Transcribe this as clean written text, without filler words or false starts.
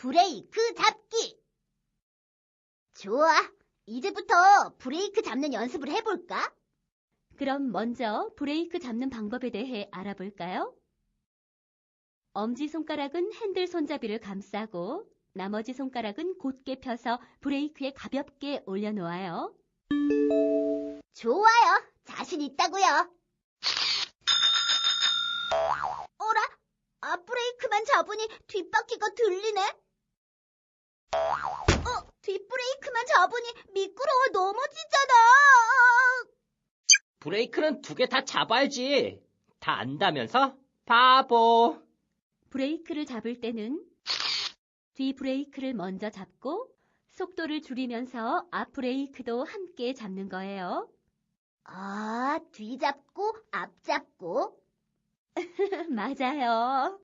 브레이크 잡기. 좋아. 이제부터 브레이크 잡는 연습을 해볼까? 그럼 먼저 브레이크 잡는 방법에 대해 알아볼까요? 엄지손가락은 핸들 손잡이를 감싸고 나머지 손가락은 곧게 펴서 브레이크에 가볍게 올려놓아요. 좋아요. 자신 있다고요. 어라? 앞브레이크만 잡으니 뒷바퀴가 들리네? 뒷브레이크만 잡으니 미끄러워 넘어지잖아. 브레이크는 2개 다 잡아야지. 다 안다면서? 바보. 브레이크를 잡을 때는 뒤 브레이크를 먼저 잡고 속도를 줄이면서 앞 브레이크도 함께 잡는 거예요. 뒤 잡고 앞 잡고. 맞아요.